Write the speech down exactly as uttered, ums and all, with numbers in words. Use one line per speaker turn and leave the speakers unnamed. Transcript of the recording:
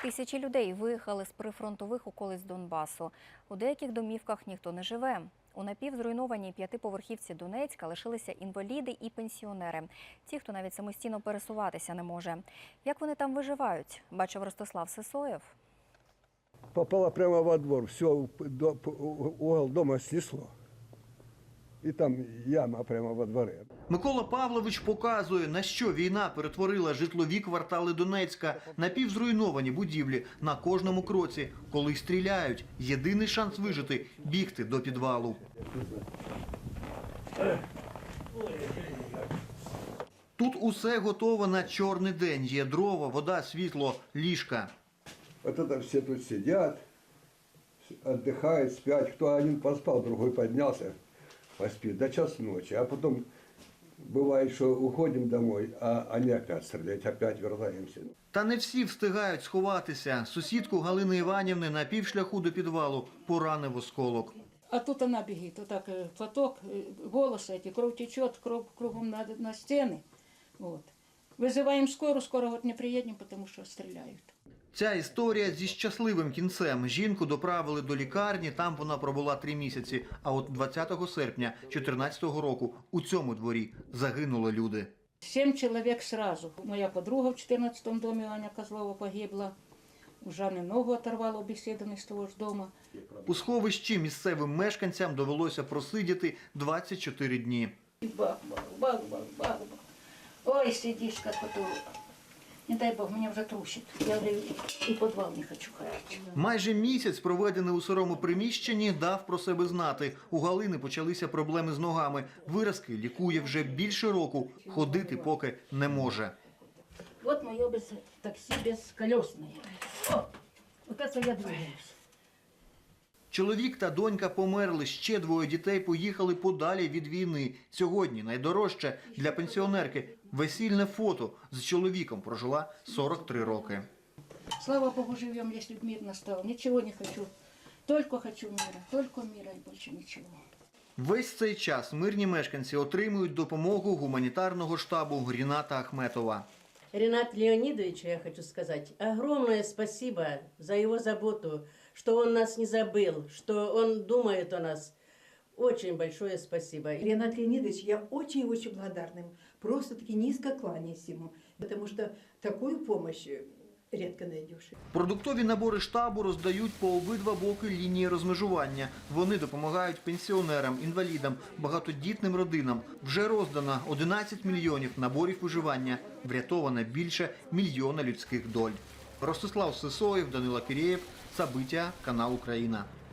Тисячі людей виїхали з прифронтових околиць Донбасу. У деяких домівках ніхто не живе. У напівзруйнованій п'ятиповерхівці Донецька лишилися інваліди і пенсіонери. Ті, хто навіть самостійно пересуватися не може. Як вони там виживають, бачив Ростислав Сисоєв.
Попала прямо во двор, все, угол дома снесло. І там яма прямо во дворі.
Микола Павлович показує, на що війна перетворила житлові квартали Донецька, напівзруйновані будівлі на кожному кроці. Коли стріляють, єдиний шанс вижити – бігти до підвалу. Тут усе готово на чорний день. Є дрова, вода, світло, ліжка.
Вот это все тут сидят, отдыхают, спят. Кто один поспал, другой поднялся, поспит до час ночи. А потом бывает, что уходим домой, а они опять стреляют, опять вернемся.
Та не всі встигають сховатися. Сусідку Галини Іванівни на півшляху до підвалу поранив осколок.
А тут она бегит, вот так платок, волосы эти, кровь течет, кровь кругом на, на стены. Вот. Вызываем скорую, скоро вот не приедем, потому что стреляют.
Ця історія зі щасливим кінцем. Жінку доправили до лікарні, там вона пробула три місяці. А от двадцятого серпня дві тисячі чотирнадцятого року у цьому дворі загинули люди.
Семь человек сразу. Моя подруга в четырнадцатом доме, Аня Козлова, погибла. У Жанны ногу оторвала обеседованной с того ж дома.
У сховищі місцевим мешканцям довелося просидіти двадцять чотири дні.
Бах, бах, бах, бах, бах, бах. Ой, сидишь, как вот... Не дай Бог, меня уже трусит. Я говорю, и в подвал не хочу ходить.
Майже місяць, проведений у сирому приміщенні, дав про себе знати. У Галини почалися проблеми з ногами. Виразки лікує вже більше року. Ходити поки не може.
Вот мое без такси бесколесное. О, вот это я двигаюсь.
Чоловік та донька померли, ще двоє дітей поїхали подалі від війни. Сьогодні найдорожче для пенсіонерки – весільне фото. З чоловіком прожила сорок три роки.
Слава Богу, живем, если мир настал. Ничего не хочу. Только хочу мира. Только мира и больше ничего.
Весь цей час мирні мешканці отримують допомогу гуманітарного штабу Ріната Ахметова.
Ренату Леонидовичу я хочу сказать огромное спасибо за его заботу, что он нас не забыл, что он думает о нас. Очень большое спасибо.
Ренат Леонидович, я очень-очень благодарна ему. Просто-таки низко кланяюсь ему, потому что такую помощь редко найдешь.
Продуктові набори штабу роздають по обидва боки лінії розмежування. Вони допомагають пенсіонерам, інвалідам, багатодітним родинам. Вже роздано одинадцять мільйонів наборів виживання. Врятовано більше мільйона людських доль. Ростислав Сисоєв, Данило Кирєєв, События, канал Україна.